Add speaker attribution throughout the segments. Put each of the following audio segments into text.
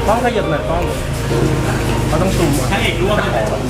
Speaker 1: ต้องขยับหน่อยต้องเขาต้องซูมถ้าเอกร่วม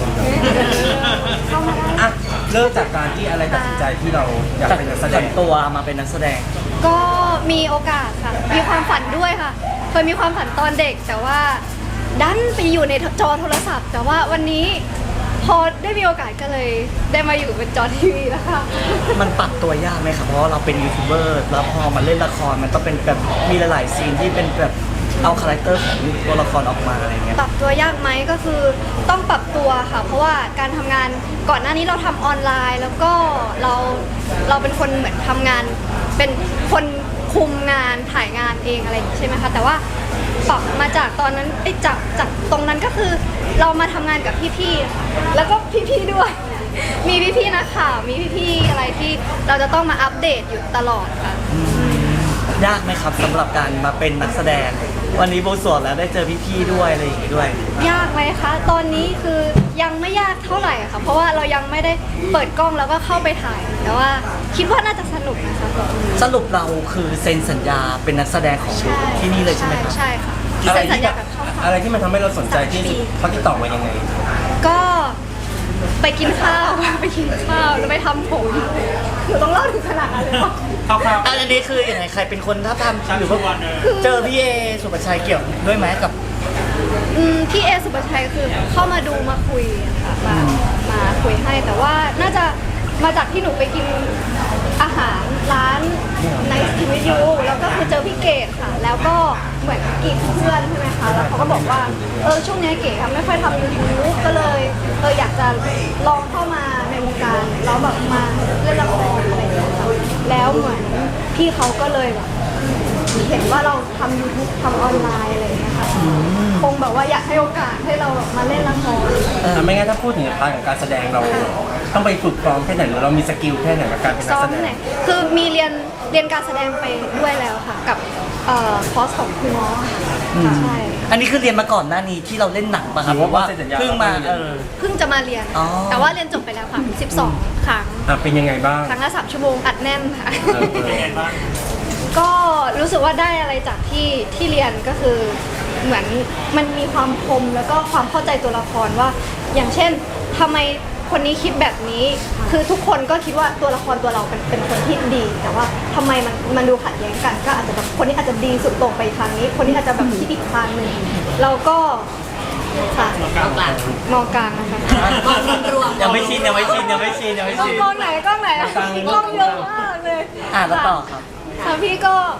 Speaker 1: อ่ะเริ่มจากการที่อะไรตัดสินใจที่เราอยากเป็นนักแสดง
Speaker 2: ตัวมาเป็นนักแสดง
Speaker 3: ก็มีโอกาสค่ะมีความฝันด้วยค่ะเคยมีความฝันตอนเด็กแต่ว่าดันไปอยู่ในจอโทรศัพท์ แต่ว่าวันนี้พอได้มีโอกาสก็เลยได้มาอยู่เป็นจอทีวีแล้วค่ะ
Speaker 2: มันปรับตัวยากไหมครับเพราะเราเป็นยูทูบเบอร์แล้วพอมาเล่นละครมันต้องเป็นแบบมีหลายๆซีนที่เป็นแบบเอาคาแรคเตอร์ของตัวละครออกมาอะไรเงี้ย
Speaker 3: ปรับตัวยากไหมก็คือต้องปรับตัวค่ะเพราะว่าการทำงานก่อนหน้านี้เราทำออนไลน์แล้วก็เราเป็นคนเหมือนทำงานเป็นคนคุมงานถ่ายงานเองอะไรอย่างนี้ใช่ไหมคะแต่ว่าปรับมาจากตอนนั้นจากตรงนั้นก็คือเรามาทำงานกับพี่ๆแล้วก็พี่ๆด้วยมีพี่ๆนักข่าวมีพี่ๆอะไรที่เราจะต้องมาอัปเดตอยู่ตลอดค่ะ
Speaker 2: ยากไหมครับสำหรับการมาเป็นนักแสดงวันนี้โบสวดแล้วได้เจอพี่ๆด้วยอะไรอย่างงี้ด้วย
Speaker 3: ยากไหมคะตอนนี้คือยังไม่ยากเท่าไหร่ค่ะเพราะว่าเรายังไม่ได้เปิดกล้องแล้วก็เข้าไปถ่ายแต่ว่าคิดว่าน่าจะสนุกนะคะ
Speaker 2: สรุปเราคือเซ็นสัญญาเป็นนักแสดงของที่นี่เลยใช่ไหมครับ
Speaker 3: ใช่ค่ะ
Speaker 1: อะไร
Speaker 3: เซ็นสัญญา
Speaker 1: แบบอะไรที่มันทำให้เราสนใจที่เขาติดต่อมายังไง
Speaker 3: ก็ไปกินข้าวแล้วไปทำผมหนูต้องเล่าถึงขนาดนั้นเลยเหรอ
Speaker 2: อันนี้คืออย่างไรใครเป็นคนถ้าทำหรือว่าเจอพี่เอสุปชัยเกี่ยวด้วยไหมกับ
Speaker 3: พี่เอสุปชัยคือเข้ามาดูมาคุยค่ะมาคุยให้แต่ว่าน่าจะมาจากที่หนูไปกินอาหารร้านในทีวียูแล้วก็คือเจอพี่เกดค่ะแล้วก็เหมือนกีดเพื่อนใช่ไหมคะแล้วเขาก็บอกว่าช่วงนี้เก๋ไม่ค่อยทำยูทูบก็เลยอยากจะลองเข้ามาในวงการแล้วแบบมาเล่นละครอะไรอย่างเงี้ยค่ะแล้วเหมือนพี่เขาก็เลยแบบเห็นว่าเราทำ YouTube ทำออนไลน์อะไรอย่างเงี้ยค่ะคงแบบว่าอยากให้โอกาสให้เรามาเล่นละคร
Speaker 1: ไม่งั้นถ้าพูดถึงพาร์ทของการแสดงเราต้องไปฝึกซ้อมแค่ไหนหรือเรามีสกิลแค่ไหนกับการเป็นนักแสดง
Speaker 3: คือมีเรียนการแสดงไปด้วยแล้วค่ะกับคอร์สของคุณหมอใช่
Speaker 2: อันนี้คือเรียนมาก่อนหน้านี้ที่เราเล่นหนังป่ะครับเพราะว่าเพิ่งมา
Speaker 3: เพิ่งจะมาเรียนแต่ว่าเรียนจบไปแล้วค่ะ12ครั้ง
Speaker 1: เป็นยังไงบ้าง
Speaker 3: ครั้งละ3 ชั่วโมงอัดแน่นค่ะเป็นยังไงบ้างก็รู้สึกว่าได้อะไรจากที่เรียนก็คือเหมือนมันมีความคมแล้วก็ความเข้าใจตัวละครว่าอย่างเช่นทำไมคนนี้คิดแบบนี้คือทุกคนก็คิดว่าตัวละครตัวเราเป็นคนที่ดีแต่ว่าทำไมมันดูขัดแย้งกันก็อาจจะแบบคนนี้อาจจะดีสุดตรงไปทางนี้คนนี้อาจจะแบบคิดอีกทางหนึ่งเราก็ค่ะมองกลางนะคะ
Speaker 2: รวมยังไม่ชิน
Speaker 3: มองไหนกล้องไหนกล้องเยอะมากเลย
Speaker 2: แล้วต่อครับ
Speaker 3: พี่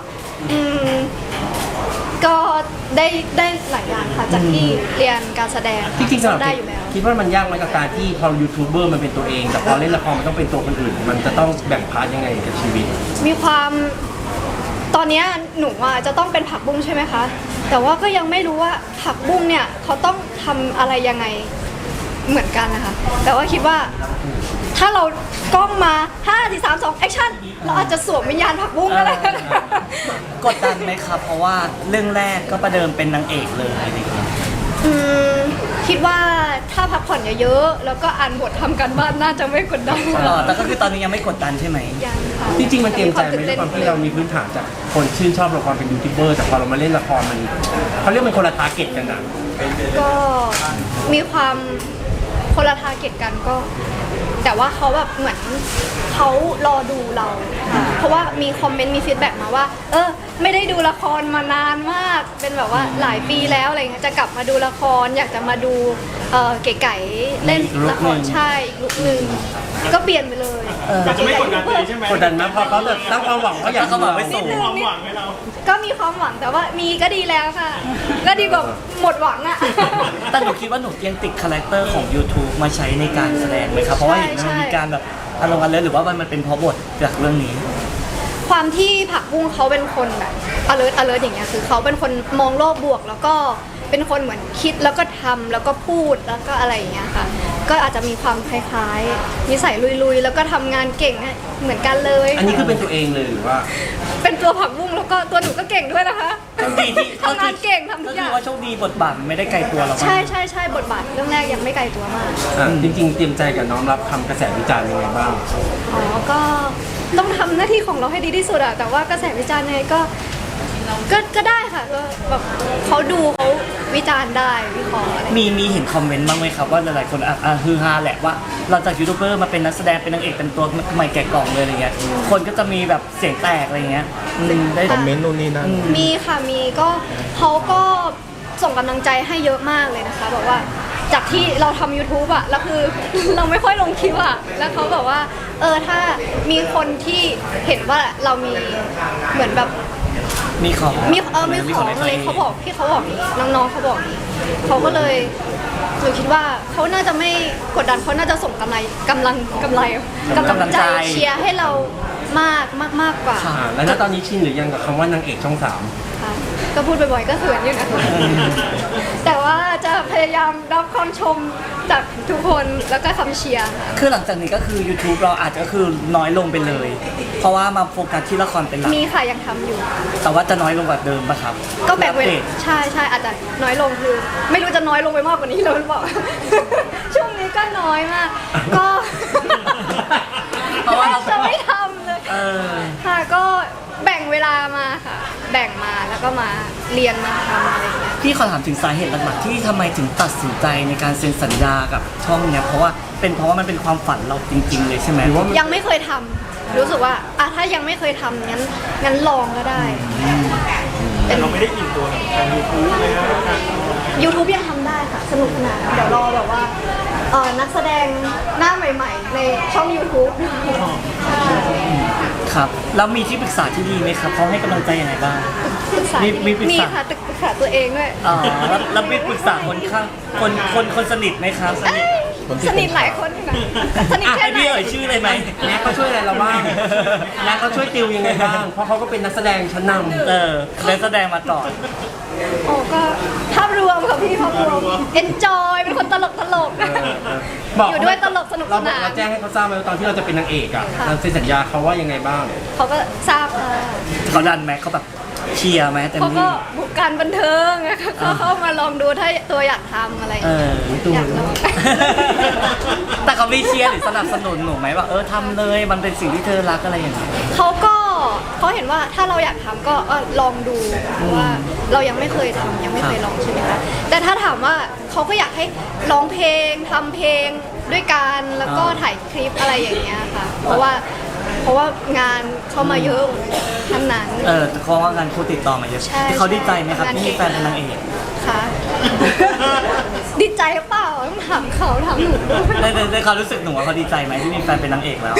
Speaker 3: ก็ได้หลายอย่างค่ะจากที่เรียนการแสดง
Speaker 1: จริงๆได้อยู่แล้วคิดว่ามันยากไหมกับการที่พอยูทูบเบอร์มันเป็นตัวเองแต่พอเล่นละครมันต้องเป็นตัวคนอื่นมันจะต้องแบ่งพาร์ทยังไงกับชีวิต
Speaker 3: มีความตอนนี้หนูจะต้องเป็นผักบุ้งใช่ไหมคะแต่ว่าก็ยังไม่รู้ว่าผักบุ้งเนี่ยเขาต้องทำอะไรยังไงเหมือนกันนะคะแต่ว่าคิดว่าถ้าเรากล้องมา5 4 3 2แอคชั่นเราอาจจะสวมวิญญาณผักบุ้งก็ได้
Speaker 2: กดดันไหมครับเพราะว่าเรื่องแรกก็ประเดิมเป็นนางเอกเลยอะไรอย่างเงี้ย
Speaker 3: คิดว่าถ้าพักผ่อนเยอะๆแล้วก็อ่านบททำกันบ้านน่าจะไม่กดดัน
Speaker 2: แต่ก็คือตอนนี้ยังไม่กดดันใช่ไหม
Speaker 3: ยังค่ะ
Speaker 1: จริงๆมันเตรียมใจไหมด้วยความที่เรามีพื้นฐานจากคนชื่นชอบละครเป็นยูทูบเบอร์แต่พอเรามาเล่นละครมันเขาเรียกเป็นคนละทาร์เก็ตกันนะ
Speaker 3: ก็มีความคนละทาร์เก็ตกันก็แต่ว่าเขาแบบเหมือนเขารอดูเราเพราะว่ามีคอมเมนต์มีฟีดแบ็กมาว่าไม่ได้ดูละครมานานมากเป็นแบบว่าหลายปีแล้วอะไรเงี้ยจะกลับมาดูละครอยากจะมาดูเก๋ๆเล่นละครใช่อีกลุคนึงก็เปลี่ยนไปเลย
Speaker 4: จะไม่กดดันเลยใช่ไหม
Speaker 1: กดดันนะพอเขาแบบตั้งความหวังเขาอยาก
Speaker 2: เขาบอกไม่สูง
Speaker 4: ความหวังให้เรา
Speaker 3: ก็มีความหวังแต่ว่ามีก็ดีแล้วค่ะก็ดีกว่าหมดหวังอะ
Speaker 2: แต่หนูคิดว่าหนูยังติดคาแรคเตอร์ของ YouTube มาใช้ในการแสดงไหมครับเพราะว่าเห็นมันมีการแบบอารมณ์กันเลยหรือว่ามันเป็นเพราะบทจากเรื่องนี้
Speaker 3: ความที่ผักบุ้งเขาเป็นคนแบบ alert อย่างเงี้ยคือเขาเป็นคนมองโลกบวกแล้วก็เป็นคนเหมือนคิดแล้วก็ทำแล้วก็พูดแล้วก็อะไรอย่างเงี้ยค่ะก็อาจจะมีความคล้ายๆนิสัยลุยๆแล้วก็ทำงานเก่งเหมือนกันเลย
Speaker 1: อันนี้คือเป็นตัวเองเลยหรือว่า
Speaker 3: เป็นตัวผักบุ้งแล้วก็ตัวหนูก็เก่งด้วยนะคะทำงานเก่งทำทุกอย่าง
Speaker 2: ก็คือว่าโชคดีบทบาทไม่ได้ไกลตัวเรา
Speaker 3: ใช่บทบาทเรื่องแรกยังไม่ไกลตัวมาก
Speaker 1: จริงๆเตรียมใจกับน้องรับคำกระแสวิจารณ์ยังไงบ้าง
Speaker 3: ก็ต้องทำหน้าที่ของเราให้ดีที่สุดอะแต่ว่ากระแสวิจารณ์ไงก็ก็ได้ค่ะก็แบบเขาดูเขาวิจารณ์ได้วิเคราะห์อะไร
Speaker 2: มีเห็นคอมเมนต์บ้างไหมครับว่าหลายๆคนฮือฮาแหละว่าเราจากยูทูบเบอร์มาเป็นนักแสดงเป็นนางเอกเป็นตัวใหม่แกะกล่องเลยอะไรเงี้ยคนก็จะมีแบบเสียงแตกอะไรเงี้ยได้
Speaker 5: คอมเมนต์นู่นนี่นั่น
Speaker 3: มีค่ะมีก็เขาก็ส่งกำลังใจให้เยอะมากเลยนะคะบอกว่าจากที่เราทำ YouTube อะแล้วคือ เราไม่ค่อยลงคลิปอะแล้วเขาบอกว่าถ้ามีคนที่เห็นว่าเรามีเหมือนแบบ
Speaker 2: มีของ
Speaker 3: มีของอะไรเขาบอกพี่เขาบอกนี้น้องๆเขาบอกนี้เขาก็เลยหนูคิดว่าเขาน่าจะไม่กดดันเขาน่าจะส่งกำลังใจเชียร์ให้เรามากกว่า
Speaker 1: แล้วณตอนนี้ชินหรือยังกับคำว่านางเอกช่อง
Speaker 3: ค่ะก็พูดบ่อยๆก็เขินอยู่นะคะแต่ว่าจะพยายามรับคำชมจากทุกคนแล้วก็คำเชียร์ค่ะ
Speaker 2: คือหลังจากนี้ก็คือ YouTube เราอาจจะคือน้อยลงไปเลย เพราะว่ามาโฟกัสที่ละครเป็นหลัก
Speaker 3: มีค่ะยังทำอยู่
Speaker 2: แต่ว่าจะน้อยลงกว่าเดิมปะครับ
Speaker 3: ก็แบ่งเว
Speaker 2: อัป
Speaker 3: ลา
Speaker 2: ดต
Speaker 3: ใช่อาจจะน้อยลงคือ ไม่รู้จะน้อยลงไปมากกว่านี้แล้วหรือเปล่า ช่วงนี้ก็น้อยมาก ก็
Speaker 2: เพราะว่าเรา
Speaker 3: จะไม่ทำเลย ค่ะก็แบ่งเวลามาค่ะ แบ่งมาแล้วก็มาเรียนมาทำอะไรอย่างเงี้ย
Speaker 2: พี่ขอถามถึงสาเหตุหลักๆที่ทำไมถึงตัดสินใจในการเซ็นสัญญากับช่องเนี้ยเพราะว่ามันเป็นความฝันเราจริง ๆ เลยใช่ไหม
Speaker 1: 3หรือว่า
Speaker 3: ยังไม่เคยทำรู้สึกว่าถ้ายังไม่เคยทำงั้นลองก็ได้
Speaker 4: แต่เราไม่ได้อินตัวกับทางยูทูบเลยนะ
Speaker 3: YouTube ยังทำได้ค่ะ สนุกสนานเดี๋ยวรอแบบว่านักแสดงหน้าใหม่ๆ ในช่อง YouTube ใช่
Speaker 2: ครับแล้วมีที่ปรึกษาที่ดีไหมครับเขาให้กำลังใจยังไงบ้าง
Speaker 3: ปรึกษา
Speaker 2: มีปรึกษามี
Speaker 3: ค่ะปรึกษาตัวเองด้วย
Speaker 2: อ๋อแล้วมีปรึกษาคนข้างคนสนิทไหมครับ
Speaker 3: เอ้ยสนิทหลายคนอยู่นะสนิทแค่
Speaker 2: ให้
Speaker 3: ไหน
Speaker 2: พี่เอ่ยชื่อเลยไหม
Speaker 1: แม็กเขาช่วยอะไรเราบ้างแม็กเขาช่วยติวยังไงบ้างเพราะเขาก็เป็นนักแสดงชั้นนำ
Speaker 2: ได้แสดงมาก่อน
Speaker 3: โอ้ก็ภาพรวมค่ะพี่ภาพรวม enjoy เป็นคนตลกอยู่ด้วยตลกสนุกสนาน
Speaker 1: เราแจ้งให้เขาทราบไหมว่าตอนที่เราจะเป็นนางเอกอ่ะ
Speaker 3: ค่ะ
Speaker 1: เราเซ็นสัญญาเขาว่ายังไงบ้าง
Speaker 3: เขาก็ทราบค่ะ
Speaker 2: เขาดันไหมเขาแบบเชียร์ไหมเต็ม
Speaker 3: เขา
Speaker 2: ที่
Speaker 3: ก็บุกการบันเทิงนะคะก็เข้ามาลองดูถ้าตัวอยากทำอะไรอย่างเงี้ยอยากลอง
Speaker 2: แต่เขาไม่เชียร์หรือสนับสนุนหนูไหมว่าทำเลยมันเป็นสิ่งที่เธอรักอะไรอย่างเงี้ย
Speaker 3: เขาเห็นว่าถ้าเราอยากทำก็ลองดูเพราะว่าเรายังไม่เคยทำยังไม่เคยลองใช่ไหมคะแต่ถ้าถามว่าเขาก็อยากให้ร้องเพลงทำเพลงด้วยกันแล้วก็ถ่ายคลิปอะไรอย่างเงี้ยค่ะ เพราะว่างานเข้ามาเยอะทั้งนั้น
Speaker 2: เพราะว่างานคู่ติดต่อมาเยอะ
Speaker 3: ใช่
Speaker 2: เขาดีใจไหมครับ
Speaker 3: งาน
Speaker 2: ที่มีแฟนเป็นนางเอก
Speaker 3: ค่ะ ดีใจหรือเปล่าต้องถามเขาถามหนูด้วย
Speaker 2: ในความรู้สึกหนูว่าเขาดีใจไหมที่มีแฟนเป็นนางเอกแล้ว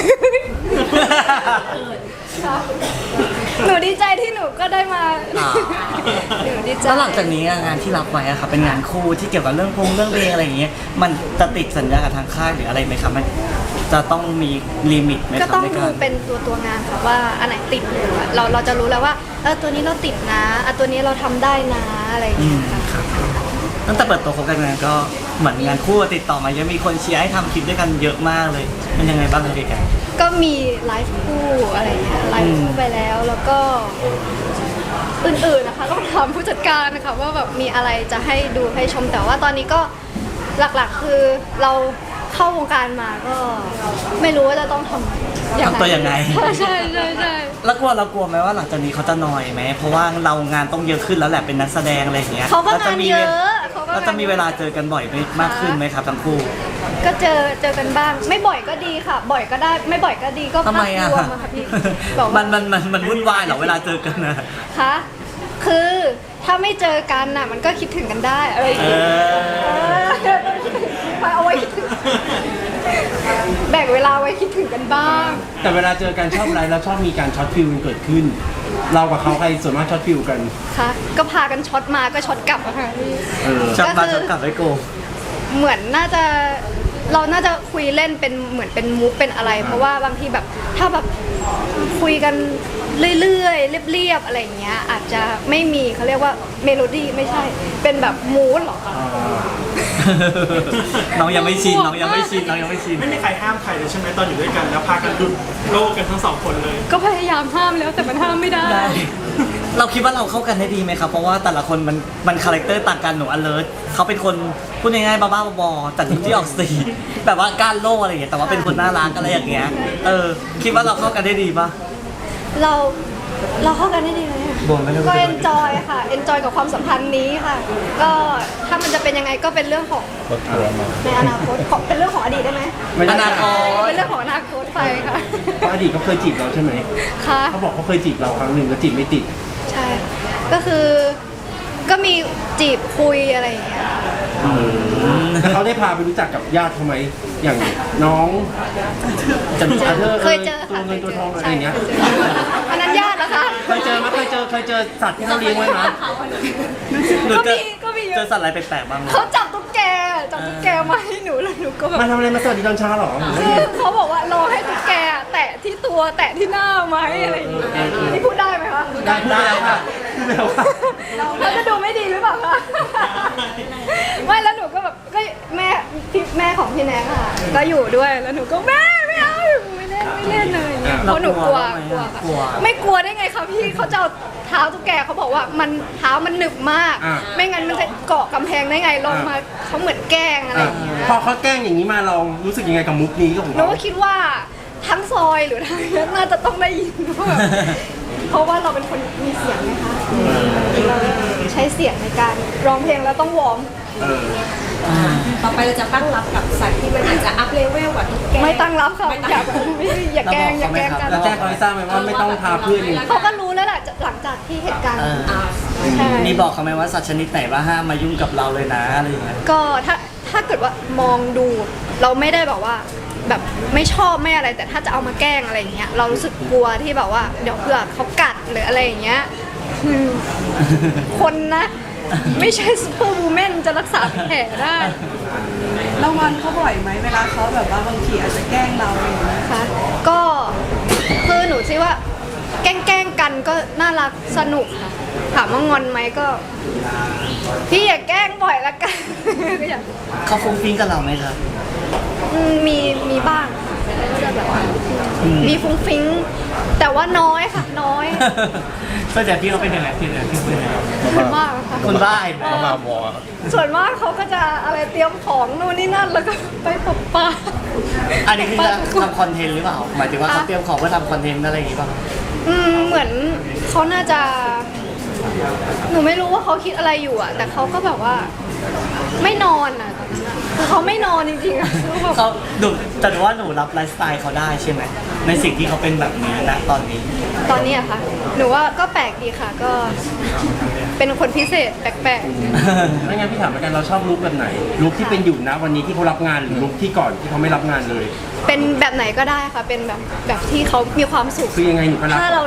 Speaker 3: ค่ะหนูดีใจที่หนูก็ได้มา
Speaker 2: อ่า
Speaker 3: หนูดีใจ
Speaker 2: แล้วหลังจากนี้งานที่รับไว้อะครับเป็นงานคู่ที่เกี่ยวกับเรื่องเพลงอะไรอย่างเงี้ยมันจะติดสัญญากับทางค่ายหรืออะไรไหมครับมันจะต้องมีลิมิตไหมค
Speaker 3: ก็
Speaker 2: รับ
Speaker 3: ต้อง
Speaker 2: ใน
Speaker 3: ดู
Speaker 2: การ
Speaker 3: เป็นตัวงานค่ะว่าอันไหนติดอยู่อะเราจะรู้แล้วว่าตัวนี้เราติดนะตัวนี้เราทำได้นะอะไรอย่างเงี้ยค่ะ
Speaker 2: ตั้งแต่เปิดตัวคบกันงานก็เหมือนงานคู่ติดต่อมาเยอะมีคนเชียร์ให้ทำคลิปด้วยกันเยอะมากเลยมันยังไงบ้างครับพี่แก
Speaker 3: ก็มีไลฟ์คู่อะไรอย่างเงี้ยไลฟ์คู่ไปแล้วก็อื่นๆนะคะต้องถามผู้จัดการนะคะว่าแบบมีอะไรจะให้ดูให้ชมแต่ว่าตอนนี้ก็หลักๆคือเราเข้าวงการมาก็ไม่รู้ว่าจะต้องทำ
Speaker 2: ตัวยังไง
Speaker 3: ใช่
Speaker 2: แล้วเรากลัวไหมว่าหลังจากนี้เขาจะนอยไหมเพราะว่าเรางานต้องเยอะขึ้นแล้วแหละเป็นนักแสดงอะไรอย่างเงี้ย
Speaker 3: เขาก็งานเยอะเขาก็
Speaker 2: เราจะมีเวลาเจอกันบ่อยมากขึ้นไหมครับทั้งคู่
Speaker 3: ก็เจอกันบ้าง ไม่บ่อยก็ดีค่ะ บ่อยก็ได้ไม่บ่อยก็ดีก็
Speaker 2: ทำไมอะ
Speaker 3: ภาพรวมค่ะพี่บอกว่า
Speaker 2: มันวุ่นวายเหรอเวลาเจอกันนะ
Speaker 3: คะคือถ้าไม่เจอกันน่ะมันก็คิดถึงกันได้อะไรอย่างเงี้ยเอาไว้คิดถึงแบ่งเวลาไว้คิดถึงกันบ้าง
Speaker 1: แต่เวลาเจอกันชอบอะไรแล้วชอบมีการช็อตฟิลเกิดขึ้น เรากับเขาใครส่วนมากช็อตฟิลกัน
Speaker 3: ค่ะก็พากันช็อตมาก็ช็อตกลับอะค่ะพี่
Speaker 2: จับมาจับกลับไว้โก
Speaker 3: เหมือนเราน่าจะคุยเล่นเป็นเหมือนเป็นมุกเป็นอะไร เพราะว่าบางทีแบบถ้าแบบคุยกันเรื่อยๆเรียบๆอะไรอย่างเงี้ยอาจจะไม่มีเขาเรียกว่าเมโลดี้ไม่ใช่ เป็นแบบมูดหรอคะ
Speaker 2: น้องยังไม่ชิน
Speaker 4: ไม่มีใครห้ามใครเลยใช่ไหมตอนอยู่ด้วยกันแล้วพากันดุดโลกกันทั้งสองคนเลย
Speaker 3: ก็พยายามห้ามแล้วแต่มันห้ามไม่ได้
Speaker 2: ได้ เราคิดว่าเราเข้ากันได้ดีไหมครับเพราะว่าแต่ละคนมันคาแรคเตอร์ต่างกันหนู alert เขาเป็นคนพูดง่ายๆบ้าๆบอๆแต่ที่ออกสีแบบว่าก้านโล่อะไรอย่างเงี้ยแต่ว่าเป็นคนน่ารักอะไรอย่างเงี้ยคิดว่าเราเข้ากันได้ดีปะ
Speaker 3: เราเข้ากันได้ดีไหมอะ
Speaker 2: บนไม่ได้
Speaker 3: ก็เอนจอยค่ะเอนจอยกับความสัมพันธ์นี้ค่ะ ก็ถ้ามันจะเป็นยังไงก็เป็นเรื่องของในอนาคตของเป็นเรื่องของอดีตได้ไหม
Speaker 1: ไม่ได้
Speaker 2: อนาคต
Speaker 3: เป็นเรื่องของอนาคตไปค่ะ
Speaker 1: เพราะอดีตเขาเคยจีบเราใช่ไหม
Speaker 3: ค่ะ
Speaker 1: เขาบอกเขาเคยจีบเราครั้งหนึ่งแล้วจีบไม่ติด
Speaker 3: ใช่ค่ะก็คือก็มีจีบคุยอะไรอย่างเงี้ย
Speaker 1: แล้วเขาได้พาไปรู้จักกับญาติเขาไหมอย่างน้องจันทร์อาเธอร์
Speaker 3: เคยเจอ
Speaker 1: ตัว
Speaker 3: ค่ะ
Speaker 1: เงินตัวทองอะไร
Speaker 3: ใช่
Speaker 1: อย่างเงี้ย
Speaker 3: เคยเจออันนั้นญาตินะคะ
Speaker 1: เคยเจอไหมเคยเจอสัตว์ที่เขาเลี้ยงไว้ไหม
Speaker 2: หนู
Speaker 3: ก็มีเย
Speaker 2: เจอ
Speaker 3: อะ
Speaker 2: สัตว์อะไรแปลกๆบ้างไหม
Speaker 3: เขาจับตุ๊กแกมาให้หนูแล้วหนูก็แบบ
Speaker 1: มาทำอะไรมาสวัสดีตอนเช้าเหรอ
Speaker 3: คือเขาบอกว่ารอให้ตุ๊กแกแตะที่ตัวแตะที่หน้าไหมอะไรอย่างเงี้ยนี่พูดได้ไหมคะ
Speaker 1: ได้พูดแล้วค่ะพูดแล้วค่ะ
Speaker 3: แล้วจะดูไม่ดีหรือเปล่าคะไม่แล้วหนูก็แบบก็แม่ของพี่แนงค่ะ ก็อยู่ด้วยแล้วหนูก็แม่ไม่เอาไม่เล่นเลยเพราะหนูกลัวค่ะไม่กลัวได้ไงคะพี่เขาจะเอาเท้าตุ๊กแกเขาบอกว่ามันเท้ามันหนึบมาก ไม่งั้นมันจะเกาะกำแพงได้ไงลงมาเขาเหมือนแกล้งอะไรอย่างเงี้ย
Speaker 1: พอเขาแกล้งอย่างนี้มาเรารู้สึกยังไงกับมุกนี้ของ
Speaker 3: หนู
Speaker 1: เรา
Speaker 3: ก็คิดว่าทั้งซอยหรือทั้งนี้น่าจะต้องได้ยินว่าแบบเพราะว่าเราเป็นคนมีเสียงไงคะเราใช้เสียงในการร้องเพลงแล้วต้องวอร์ม
Speaker 1: เออ
Speaker 5: ต่อไปเราจะตั้งรับกับสัตว์ที่มันอาจจะอัพเลเวลกว่าตุ๊กแก
Speaker 3: ไม่ตั้งรับค่ะ
Speaker 5: ไม่ตั้ง
Speaker 3: อย่าอย่าแกล้งกัน
Speaker 1: แล้วแจ้งเขาให้ทราบไหมว่าไม่ต้องพาเพื่อนอย่างนี้
Speaker 3: เขาก็รู้แล้วแหละหลังจากที่เหตุการณ์ ใช่
Speaker 2: มีบอกเขาไหมว่าสัตว์ชนิดไหนว่าห้ามมายุ่งกับเราเลยนะอะไรอย่างเงี้ย
Speaker 3: ก็ถ้าเกิดว่ามองดูเราไม่ได้แบบว่าแบบไม่ชอบไม่อะไร แต่ถ้าจะเอามาแกล้งอะไรอย่างเงี้ยเรารู้สึกกลัวที่แบบว่าเดี๋ยวเผื่อเขากัดหรืออะไรอย่างเงี้ยคนนะไม่ใช่ซูเปอร์วูแมนจะรักษาแผลได้
Speaker 6: เรางอนเขาบ่อยไหมเวลาเขาแบบว่าบางทีอาจจะแกล้งเราอะไรอย่างเงี้ย
Speaker 3: นะคะก็คือหนูคิดว่าแกล้งกันก็น่ารักสนุกค่ะถามว่างอนไหมก็ พี่อย่าแกล้งบ่อยละกัน ก็อย่าง
Speaker 2: เขาฟุ้งฟิ้งกับเราไหมครับ
Speaker 3: มีบ้างก็จะแบบว่ามีฟุ้งฟิ้งแต่ว่าน้อยค่ะน้อย
Speaker 2: ส่วนใหญ่พี่เขาเป็นยังไงพี่เป็นยังไง
Speaker 3: ส่วนมากค่ะ
Speaker 2: คนบ้าเห็นไหม
Speaker 3: ส่วนมากเขาก็จะอะไรเตรียมของนู่นนี่นั่นแล้วก็ไปปบปลา
Speaker 2: อันนี้คือจะทำคอนเทนต์หรือเปล่าหมายถึงว่าเขาเตรียมของเพื่อทำคอนเทนต์อะไรอย่างงี้ป่ะ
Speaker 3: เหมือนเขาน่าจะ หนูไม่รู้ว่าเขาคิดอะไรอยู่อะแต่เขาก็แบบว่าไม่นอนอะตอนนั้นอะคือเขาไม่นอนจริงๆอะคือแบบ
Speaker 2: เขาดูแต่ว่าหนูรับไลฟ์สไตล์เขาได้ใช่ไหมในสิ่งที่เขาเป็นแบบนี้นะตอนนี้
Speaker 3: ตอนนี้อะค่ะหนูว่าก็แปลกดีค่ะก็เป็นคนพิเศษแปลก
Speaker 1: ไม่งั้นพี่ถามเหมือนกันเราชอบลุคแบบไหนลุคที่เป็นอยู่นะวันนี้ที่เขารับงานหรือลุคที่ก่อนที่เขาไม่รับงานเลย
Speaker 3: ๆเป็นแบบไหนก็ได้ค่ะ เป็นแบบที่เขามีความสุข
Speaker 1: คือยังไงหนูก็รับ
Speaker 3: ถ้าเรา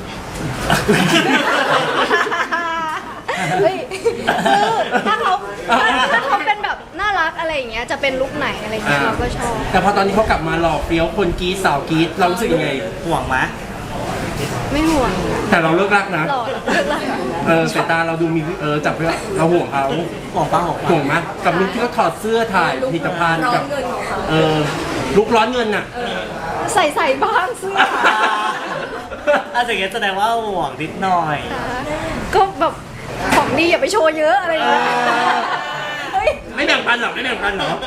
Speaker 3: เฮ้ยคือถ้าเขาเป็นแบบน่ารักอะไรอย่างเงี้ยจะเป็นลุคไหนอะไรเงี้ยเราก็ชอบ
Speaker 1: แต่พอตอนนี้เขากลับมาหล่อเฟี้ยวคนกรีดสาวกรีดเรารู้สึกยังไง
Speaker 2: ห่วงไหม
Speaker 3: ไม่ห่วง
Speaker 1: แต่เราเลิกรักนะ
Speaker 3: หล่อเลิกแล้ว
Speaker 1: สายตาเราดูมีจับเพื่อเราห่วงเขา
Speaker 2: ห่วงป้าห่วง
Speaker 1: ห่วงไหมกับลุคที่เขาถอดเสื้อถ่ายผลิตภัณฑ์กับลุคร้อนเงินน่ะ
Speaker 3: ใส่บ้างเสื้อ
Speaker 2: อาจจะแสดงว่าห่วงนิดหน่อย
Speaker 3: ก็แบบของดีอย่าไปโชว์เยอะอะไรอย่างเงี้ยเฮ้ย
Speaker 1: ไม่แบ่งปันหรอไม่แบ่งปันหรอ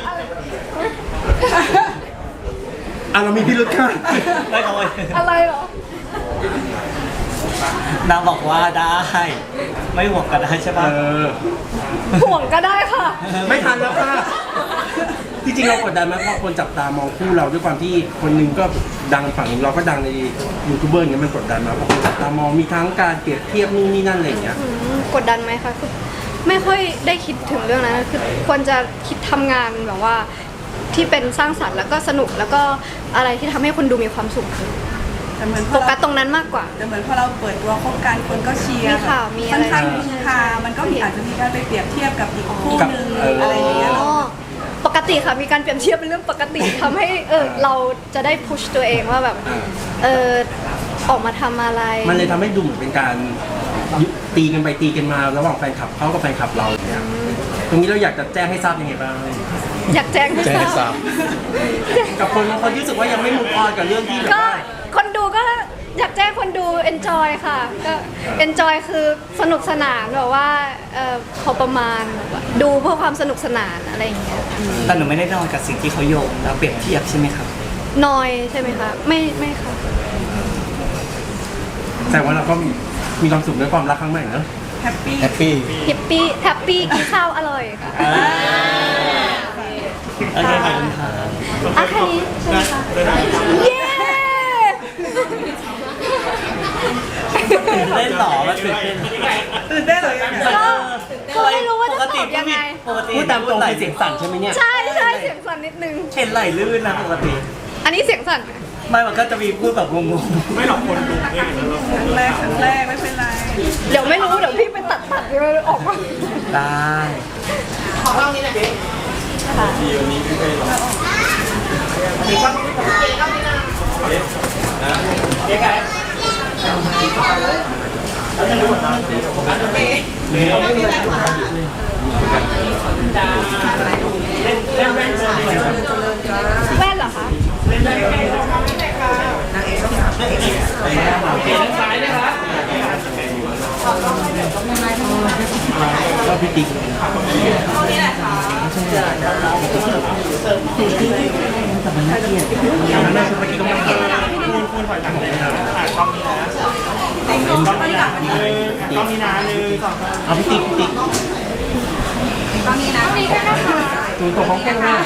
Speaker 1: เรามีพิรุธค่ะ
Speaker 2: ไม่เขาเลย
Speaker 3: อะไรเหรอ
Speaker 2: นางบอกว่าได้ ไม่ห่วงกันได้ใช่ปะ
Speaker 3: ห่วงก็ได้ค่ะ
Speaker 1: ไม่ทันแล้วค่ะจริงๆเรากดดันไหมเพราะคนจับตามองคู่เราด้วยความที่คนหนึงก็ดังฝั่งหนึงเราก็ดังในยูทูบเบอร์อย่างเงี้ยมันกดดันไหมเพราะคนจับตามองมีทั้งการเปรียบเทียบนู่นนี่นั่นอะไรอย่างเงี้ย
Speaker 3: กดดันไหมคะคือไม่ค่อยได้คิดถึงเรื่องนั้นนะคือควรจะคิดทำงานแบบว่าที่เป็นสร้างสรรค์แล้วก็สนุกแล้วก็อะไรที่ทำให้คนดูมีความสุข
Speaker 6: แต่เหมือนพ
Speaker 3: โฟ
Speaker 6: อ
Speaker 3: กั
Speaker 6: เรา
Speaker 3: สตรงนั้นมากกว่า
Speaker 6: แต่เหมือนพอเราเปิดตัวคบกันคนก็เชียร์
Speaker 3: มีข่าวมีอะไร
Speaker 6: ค่อนข้างฮือฮามันก็มีอาจจะมีการไปเปรียบเทียบกับอีกคู่หนึงอะไรอย่างเงี้ย
Speaker 3: อ๋อปกติค่ะมีการเปรียบเทียบเป็นเรื่องปกติทำให้เราจะได้พุชตัวเองว่าแบบออกมาทำอะไร
Speaker 1: มันเลยทำให้ดูเหมือนเป็นการตีกันไปตีกันมาระหว่างแฟนคลับเขากับแฟนคลับเราเนี่ยตรงนี้เราอยากจะแจ้งให้ทราบยังไงบ้าง
Speaker 3: อยากแจ้งให้ทราบ
Speaker 1: กับคนบางคนที่รู้สึกว่ายังไม่มุกออนกับเรื่องที่แบบ
Speaker 3: ก็
Speaker 1: ว่า
Speaker 3: คนดูก็อยากแจ้งคนดู enjoy ค่ะก็ enjoy คือสนุกสนานแบบว่าพอประมาณแบบว่าดูเพื่อความสนุกสนานอะไรอย่างเงี้ย
Speaker 2: แต่หนูไม่ได้นอนกับสิ่งที่เขาโยงแล้วเปรียบเทียบใช่ไหมครับ
Speaker 3: นอยใช่ไหมคะไม่ค่ะ
Speaker 1: แต่ว่าเราก็มีมีความสุขในความรักครั้งใหม่เนอะ
Speaker 6: แฮปปี้
Speaker 2: แฮปปี้
Speaker 3: แฮปปี้กินข้าวอร่อยค่ะ
Speaker 2: โอเคขอบคุณครับ
Speaker 3: อ่ะแค่นี้ใช่ไหมคะเย้
Speaker 2: ตื่นเต้นต่อมาตื่นเต้น
Speaker 6: ตื่นเต้นเหรอยังไง
Speaker 3: ก็ไม่รู้ว่าจะตอบยังไง
Speaker 2: ปกติ
Speaker 1: พูดตามตรงคือเสียงสั่นใช่ไหมเนี่ย
Speaker 3: ใช่เสียงสั่นนิดนึง
Speaker 2: เห็นไหลลื่นนะปกติ
Speaker 3: อันนี้เสียงสั่นไหม
Speaker 2: ไม่มันก็จะมีพูดแบบงง
Speaker 4: ไม่หรอกคนดูเนี่ยแล้ว
Speaker 6: ครั้งแรกไม่เป็นไร
Speaker 3: เดี๋ยวไม่รู้เดี๋ยวพี่ไปตัดยังไงออกมา
Speaker 2: ๆได้
Speaker 3: แว่นเหรอคะ
Speaker 1: ก็พี่ติ๊ก
Speaker 4: คุณถอยหลังเลยนะกล้องนี้นะกล้องนี้นะกล้องนี้นะ1 2
Speaker 1: เอาพี่ติ๊กตัวตัวของแก้งหน้า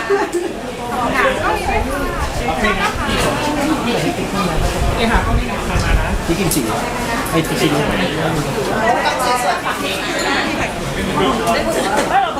Speaker 1: พี่กินสีไอ้ติ๊กสี